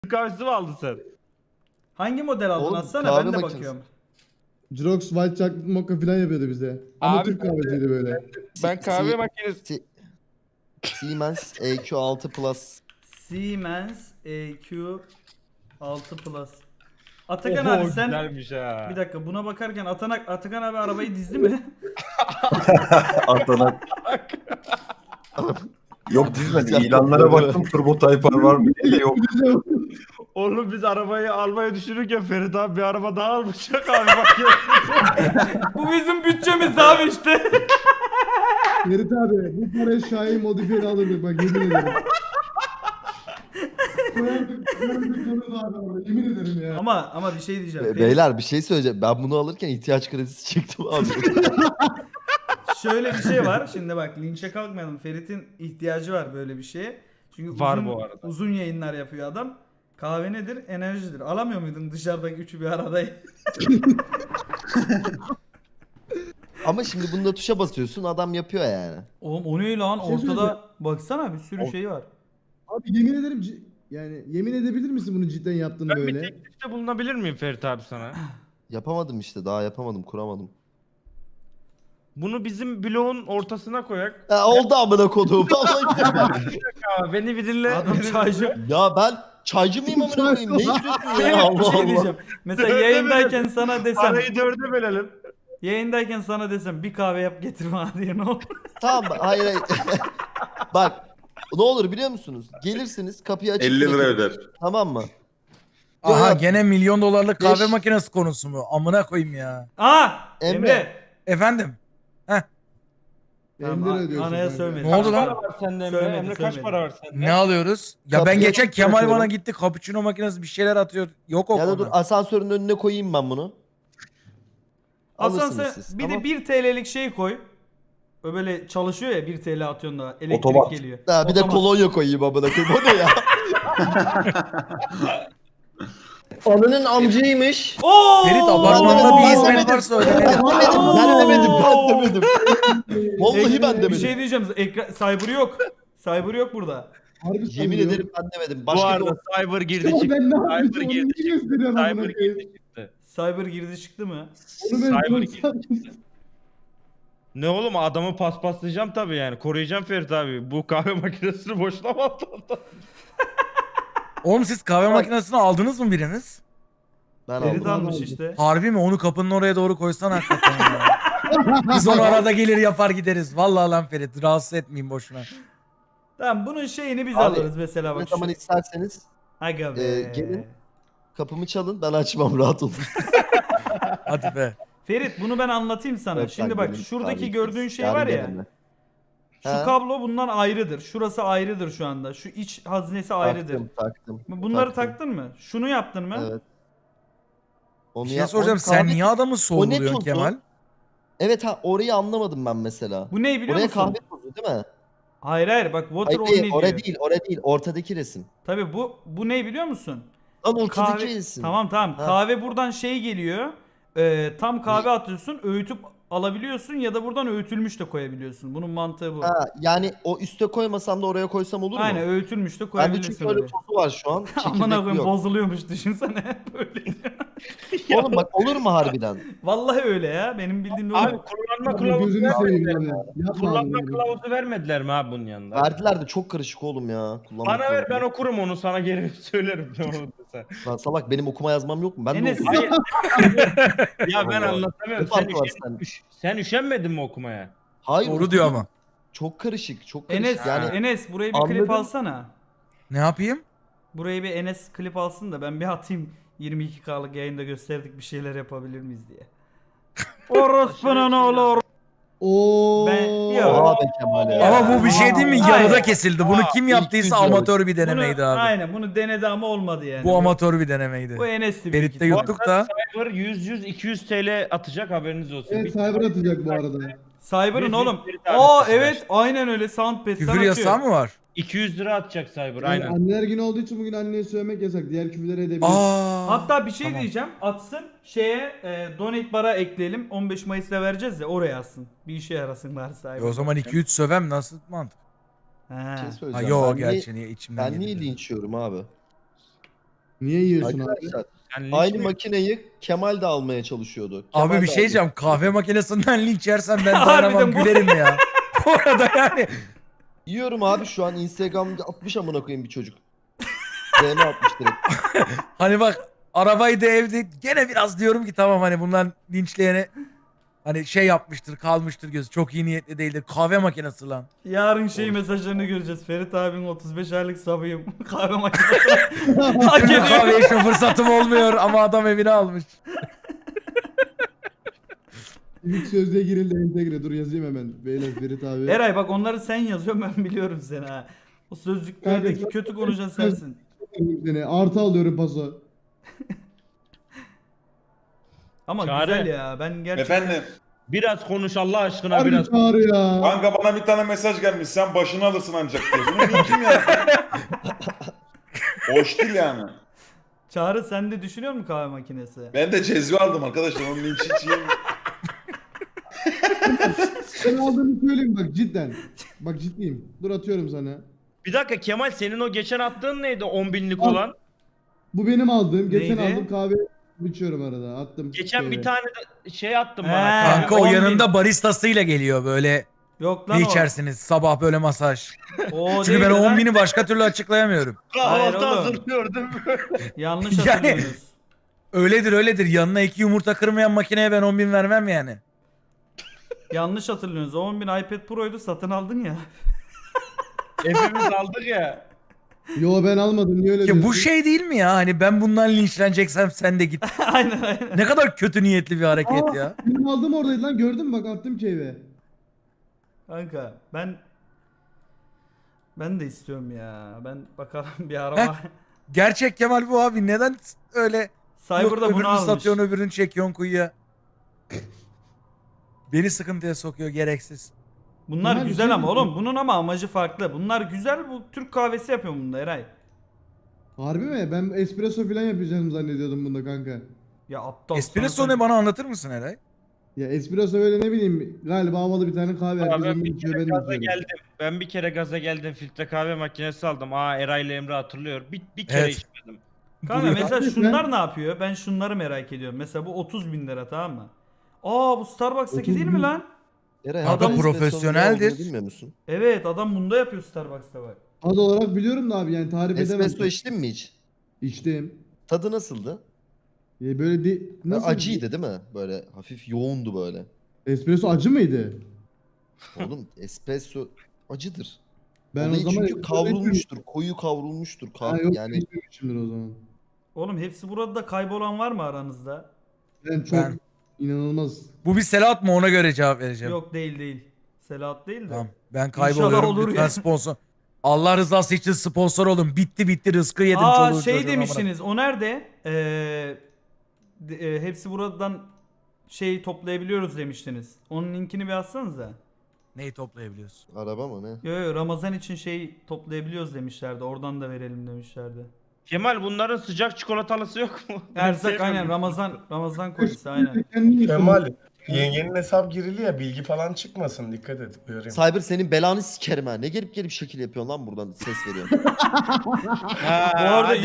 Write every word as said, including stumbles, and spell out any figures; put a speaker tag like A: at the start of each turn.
A: kahvesi mi aldın sen?
B: Hangi model aldın
C: Oğlum,
B: atsana
C: kahve
B: ben de
C: makinesi.
B: bakıyorum.
D: Jirox White Chocolate Mocha falan yapıyordu bize. Ama
A: Abi
D: Türk
A: ben de-
D: kahvesiydi böyle.
A: Ben kahve
C: Si-
A: makinesi...
C: Si- Siemens E Q altı Plus.
B: Siemens E Q altı Plus. Atakan
A: Oho,
B: abi sen
A: güzelmiş ha.
B: bir dakika buna bakarken Atanak, Atakan abi arabayı dizdi mi?
E: Atanak. Yok dizmedi.
C: Güzel.
E: İlanlara baktım. Turbo Type R var mı diye de yok.
A: Oğlum biz arabayı almayı düşünürken Ferit abi bir araba daha almışak abi bak ya.
B: Bu bizim bütçemiz abi işte.
D: Ferit abi bu paraya Şahin modifiyeli alırdık bak yemin ederim. Koyardık, koyardık onu da abi, yemin ederim ya.
B: ama ama bir şey diyeceğim.
C: Be-
B: Ferit,
C: Beyler bir şey söyleyeceğim. Ben bunu alırken ihtiyaç kredisi çektim abi.
B: şöyle bir şey var. Şimdi bak linçe kalkmayalım. Ferit'in ihtiyacı var böyle bir şeye. Çünkü
A: Var
B: uzun,
A: bu arada.
B: uzun yayınlar yapıyor adam. Kahve nedir? Enerjidir. Alamıyor muydun dışarıdaki üçü bir arada?
C: Ama şimdi bunda tuşa basıyorsun adam yapıyor yani.
B: Oğlum o ne lan?
D: Bir şey
B: Ortada
D: söyleyeceğim.
B: baksana bir sürü
C: O-
B: şey var.
D: Abi yemin ederim ci- yani yemin edebilir misin bunu cidden yaptığını
A: Ben bir
D: böyle?
A: teklifte bulunabilir miyim Ferit abi sana?
C: Yapamadım işte daha yapamadım kuramadım.
A: Bunu bizim bloğun ortasına koyak.
C: Ha, oldu amına koduğum. Vallahi billahi.
A: Aa, beni bir dinle.
B: Adam
A: beni-
B: çaycı.
C: Ya ben çaycı mıyım amına koyayım? Ne istiyorsun ya? Allah
B: bir şey
C: Allah.
B: diyeceğim. Mesela
A: Dörde
B: yayındayken
A: bölelim.
B: sana desem,
A: Arayı dörde bölelim.
B: yayındayken sana desem bir kahve yap getir bana diye ne olur?
C: Tamam mı? Hayır hayır. Bak ne olur biliyor musunuz? Gelirsiniz kapıyı açıp
E: elli lira
C: bırakırım.
E: öder.
C: Tamam mı?
F: Aha
C: Ya,
F: gene milyon dolarlık kahve
C: Beş-
F: makinesi konusu mu? Amına koyayım ya.
B: Aa! Emre.
C: Emre.
F: Efendim?
D: elli
B: Tamam,
D: lira ödüyorsun
B: anaya
D: kanka.
B: söyledim.
F: Ne oldu
A: Kaç
F: lan?
A: para var sende Emre?
B: Söylemedi,
A: Emre kaç
B: söylemedi.
A: para var sende?
F: Ne alıyoruz? Ya ben
C: Kapıya
F: geçen
C: açıp
F: Kemal
C: bırakıyorum.
F: bana gitti cappuccino makinesi bir şeyler atıyor. Yok o
C: Ya da
F: konu.
C: dur asansörün önüne koyayım ben bunu.
B: Hasan
C: Alırsınız
B: sen
C: siz.
B: bir
C: tamam.
B: de bir T L'lik şey koy. O böyle çalışıyor ya bir T L atıyorsun da elektrik
E: Otomat.
B: geliyor.
C: Ha, bir de
B: Otomat.
C: kolonya koyayım amına koyayım. O ne ya? Ananın amcıymış.
B: Oo!
F: Ferit
C: Ben
F: apartmanda
C: demedim,
F: bir
C: ben
F: hizmet
C: demedim.
F: varsa ödenelim.
C: Ben demedim, ben demedim, ben demedim. Vallahi ben
B: Bir
C: demedim.
B: şey diyeceğim. Ekran Cyber yok. Cyber yok burada.
D: Harbi
C: Yemin
D: sanıyor.
C: ederim ben demedim.
A: Bu
C: Başka bir
A: arada Cyber girdi
D: Ama
A: çıktı.
D: ben ne
A: Cyber
D: yapıyorsun onu
A: girdi
D: niye
A: çıktı.
D: gösteriyorsun amına
A: Cyber
D: koyayım?
A: girdi çıktı.
B: Cyber girdi çıktı mı?
D: Onu ben
A: Cyber
D: çok
A: girdi.
D: sandım.
A: Ne oğlum adamı paspaslayacağım tabii yani. Koruyacağım Ferit abi. Bu kahve makinesini boşuna mı attın?
F: Oğlum siz kahve makinesini aldınız mı biriniz?
C: Ben
B: Ferit
C: aldım.
B: almış
D: aldım.
B: işte.
F: Harbi mi? Onu kapının oraya doğru koysan hakikaten ya. Biz onu arada gelir yapar gideriz. Vallahi lan Ferit rahatsız etmeyin boşuna.
B: Tamam bunun şeyini biz
C: Abi,
B: alırız mesela
C: Ne
B: bak.
C: zaman
B: Şu...
C: isterseniz
B: Aga be.
C: e, gelin. kapımı çalın ben açmam rahat olun.
F: Hadi be.
B: Ferit bunu ben anlatayım sana.
C: Yok,
B: Şimdi
C: ben
B: bak
C: gelin,
B: şuradaki
C: abi,
B: gördüğün şey
C: yarın
B: var ya.
C: gelin.
B: Şu
C: He.
B: kablo bundan ayrıdır. Şurası ayrıdır şu anda. Şu iç haznesi ayrıdır.
C: Taktım taktım.
B: Bunları
C: taktım.
B: taktın mı? Şunu yaptın mı?
C: Evet. Onu
F: Bir şey
C: yap-
F: soracağım.
C: onu
F: Sen
C: kahve-
F: niye adamı
C: tozu?
F: sorguluyorsun Kemal?
C: Evet ha orayı anlamadım ben mesela.
B: Bu ne biliyor
C: Oraya
B: musun?
C: kahve tozu değil mi?
B: Hayır hayır bak water
C: Hayır
B: o
C: değil,
B: ne
C: oraya
B: diyor.
C: değil, oraya değil. Ortadaki resim.
B: Tabii bu bu ne biliyor musun?
C: Lan ortadaki
B: Kahve
C: resim.
B: tamam tamam.
C: Ha.
B: Kahve buradan şey geliyor. Ee, tam kahve atıyorsun, öğütüp alabiliyorsun ya da buradan öğütülmüş de koyabiliyorsun. Bunun mantığı bu.
C: Ha, yani o üste koymasam da oraya koysam olur mu?
B: Aynen öğütülmüş de
C: Bende
B: koyabilirsin.
C: çünkü öyle
B: oraya.
C: tozu var şu an.
B: Amına
C: Çekirdekli
B: koyayım
C: yok.
B: bozuluyormuş düşünsene böyle.
C: Oğlum bak olur mu harbiden?
B: Vallahi öyle ya. Benim bildiğim de
A: Abi
B: o.
A: kullanma
D: Abi
A: kılavuzu
D: gözünü seveyim
A: vermediler.
D: yani. Yapma
A: Kullanma
D: abi.
A: kılavuzu vermediler mi abi bunun yanında?
C: Verdiler de çok karışık oğlum ya. Kullanmak
A: Bana ver ben
C: zorunda.
A: okurum onu sana geri söylerim ne oldu sen.
C: Lan salak benim okuma yazmam yok mu? Ben
B: Enes-
C: de okuyayım.
A: Hayır. Ya ben
C: Allah.
A: anlatamıyorum.
C: Ne
A: Sen,
C: farkı var
A: üşen,
C: sen?
A: üş- sen üşenmedin mi okumaya?
C: Hayır.
F: Doğru diyor
C: okudum.
F: ama.
C: Çok karışık, çok karışık.
B: Enes,
C: yani
B: Enes burayı bir
C: anladım.
B: klip alsana.
F: Ne yapayım?
B: Burayı bir Enes klip alsın da ben bir atayım. yirmi iki K'lık yayında gösterdik bir şeyler yapabilir miyiz diye. Orospu'nun oğlu or-
D: Oo.
B: Ben- Yok.
C: Oha be Kemal ya.
F: Ama bu bir şey değil mi?
B: Hayır.
F: Yarıda kesildi. Bunu kim
C: İlk
F: yaptıysa
C: video.
F: amatör bir
B: Bunu,
F: denemeydi abi.
B: aynen bunu denedi ama olmadı yani.
F: Bu amatör bir denemeydi.
B: Bu Enes'ti büyük
F: Ferit'te
B: ihtimal.
F: yuttuk da.
A: Cyber yüz yüz iki yüz T L atacak haberiniz olsun.
D: Evet
A: Bir-
D: cyber atacak bu arada.
B: Cyber'ın
A: Yüz-
B: oğlum.
A: yüz bir tane
B: Aa
A: atacak.
B: evet aynen öyle Soundpad'den
F: Küfür
B: atıyor.
F: yasağı mı var?
A: iki yüz lira atacak Cyber
D: Yani
A: aynen.
D: anneler günü olduğu için bugün anneye söylemek yasak. Diğer küfürleri edebilir.
F: Aa.
B: Hatta bir şey
F: Tamam.
B: diyeceğim. Atsın şeye e, donate bara ekleyelim. on beş Mayıs'ta vereceğiz ya oraya atsın. Bir işe yarasın bari Cyber.
F: E o zaman iki üç sövem nasıl mantık?
B: He.
C: Bir şey
F: Ha
C: söyleyeceğim.
F: yo
C: ben niye,
F: gerçi niye içimden
C: ben niye
F: geldi.
C: linç yiyorum abi?
D: Niye yiyorsun abi?
C: Arkadaşlar
A: Yani linç
C: aynı
A: mi-
C: makineyi Kemal de almaya çalışıyordu. Kemal
F: Abi bir
C: de
F: şey
C: aldı.
F: diyeceğim. Kahve makinesinden linç yersen ben
B: Harbiden
F: dayanamam
B: bu-
F: gülerim ya. Bu arada yani.
C: Yiyorum abi şu an Instagram'da atmış amına koyayım bir çocuk. D M atmış direkt.
F: Hani bak arabayı da evde gene biraz diyorum ki tamam hani bundan linçleyene hani şey yapmıştır kalmıştır gözü çok iyi niyetli değildir. Kahve makinesi lan.
B: Yarın şey mesajlarını göreceğiz. Ferit abinin otuz beş aylık sabıyım. Kahve makinesi. Hak
F: Türlü
B: ediyor.
F: kahve içme fırsatım olmuyor ama adam evine almış.
D: İlk sözlüğe girildi entegre. Dur yazayım hemen. Beyler Ferit abi.
B: Eray bak onları sen yazıyorsun ben biliyorum seni ha. O sözlüklerdeki
D: Kanka,
B: kötü konuşan sensin.
D: Seni artı alıyorum paso.
B: Ama
A: Çağrı.
B: güzel ya. Ben gerçekten
G: Efendim
A: Biraz konuş Allah aşkına
D: Harbi
A: biraz.
D: çağrı ya.
G: kanka bana bir tane mesaj gelmiş sen başını alırsın ancak diyor. Bunu niçin ya? Hoş değil yani.
B: Çağrı sen de düşünüyor musun kahve makinesi?
G: Ben de cezve aldım arkadaşlar onun linç hiç yiyeyim.
D: Ben aldığımı söyleyeyim bak cidden. Bak ciddiyim. Dur atıyorum sana.
A: Bir dakika Kemal senin o geçen attığın neydi on binlik
D: Al.
A: olan?
D: Bu benim aldığım. Geçen
B: Neydi?
D: aldım kahve içiyorum arada. Attım.
A: Geçen
D: şeye.
A: bir tane de şey attım
B: He.
A: bana.
F: Kanka o
B: on bin.
F: yanında baristasıyla geliyor böyle.
B: Yok lan
F: Ne
B: o.
F: içersiniz sabah böyle masaj.
B: O
F: Çünkü ben
B: değil
F: o
B: lan.
F: on bini başka türlü açıklayamıyorum.
B: Hayır
A: Kahvaltı
B: oğlum.
A: hazırlıyordum.
B: Yanlış
F: Yani-
B: hatırlıyorsunuz.
F: Öyledir öyledir yanına iki yumurta kırmayan makineye ben on bin vermem yani.
B: Yanlış hatırlıyorsunuz. O on bin iPad Pro'ydu satın aldın ya.
A: Hepimiz aldık ya.
D: Yo ben almadım. Niye öyle
F: Ya
D: diyorsun?
F: bu şey değil mi ya hani ben bundan linçleneceksem sen de git.
B: aynen aynen.
F: Ne kadar kötü niyetli bir hareket
D: Aa,
F: ya.
D: Benim aldığım oradaydı lan gördün mü bak attım keyfe.
B: Kanka ben ben de istiyorum ya. Ben bakalım bir araba.
F: Gerçek Kemal bu abi neden öyle yok
B: Cyber'da bunu
F: öbürünü
B: almış.
F: satıyorsun öbürünü çekiyorsun kuyuya. Beni sıkıntıya sokuyor gereksiz.
B: Bunlar
D: Bunlar
B: güzel
D: güzel
B: ama
D: mi?
B: oğlum bunun ama amacı farklı. Bunlar güzel bu Türk kahvesi yapıyor bunda Eray.
D: Harbi mi? Ben espresso falan yapacağım zannediyordum bunda kanka.
B: Ya aptal.
F: Espresso
B: sana-
F: ne bana anlatır mısın Eray?
D: Ya espresso böyle ne bileyim galiba havalı bir tane kahve.
A: Abi
D: Herkes
A: ben
D: onu
A: bir
D: içiyor
A: kere
D: ben de
A: gaza
D: içiyorum.
A: geldim. Ben bir kere gaza geldim filtre kahve makinesi aldım. Aa Eray ile Emre hatırlıyor. Bir, bir kere
F: Evet.
A: içmedim.
B: Kanka
F: Buluyor.
B: mesela
D: Abi
B: şunlar
D: ben-
B: ne yapıyor? Ben şunları merak ediyorum. Mesela bu otuz bin lira tamam mı? Aa bu Starbucks'taki
D: otuz
B: değil mi
D: bin.
B: lan?
C: Eray,
F: Kanka
C: adam
F: profesyoneldir.
C: Bilmiyor musun?
B: Evet adam bunda yapıyor Starbucks'ta bak.
D: Ad olarak biliyorum da abi yani tarif edemem.
C: Espresso içtin mi hiç?
D: İçtim.
C: Tadı nasıldı?
D: Ya böyle de, nasıl?
C: Acıydı değil mi? Böyle hafif yoğundu böyle.
D: Espresso acı mıydı?
C: Oğlum espresso acıdır.
D: Ben
C: Olayı
D: o zaman
C: çünkü kavrulmuştur. Koyu kavrulmuştur.
D: Ha,
C: Kav-
D: yok
C: yani
D: içmemişimdir o zaman.
B: Oğlum hepsi burada da kaybolan var mı aranızda?
D: Ben çok
F: Ben-
D: inanılmaz.
F: Bu bir Selahat mı ona göre cevap vereceğim.
B: Yok değil değil. Selahat değil de.
F: Tamam ben
B: İnşallah
F: kayboluyorum
B: olur
F: lütfen
B: ya.
F: sponsor. Allah rızası için sponsor olun. Bitti bitti rızkı yedim
B: Aa
F: çoluğu
B: şey
F: çocuğu, amına.
B: demiştiniz. O nerede? Ee, de- e, hepsi buradan şey toplayabiliyoruz demiştiniz. Onun linkini bir atsanıza.
F: Neyi toplayabiliyorsun?
C: araba mı ne?
B: Yo yo Ramazan için şey toplayabiliyoruz demişlerdi. Oradan da verelim demişlerdi.
A: Kemal bunların sıcak çikolatalısı yok mu? Ben
B: Erzak
A: sevmiyorum.
B: aynen Ramazan Ramazan kolisi aynen.
D: Kendin
E: Kemal yengenin hesap girili ya bilgi falan çıkmasın dikkat et uyarayım.
C: Cyber senin belanı sikerim ha. Ne gelip gelip şekil yapıyorsun lan buradan ses veriyorsun.
A: Ha,
B: Bu arada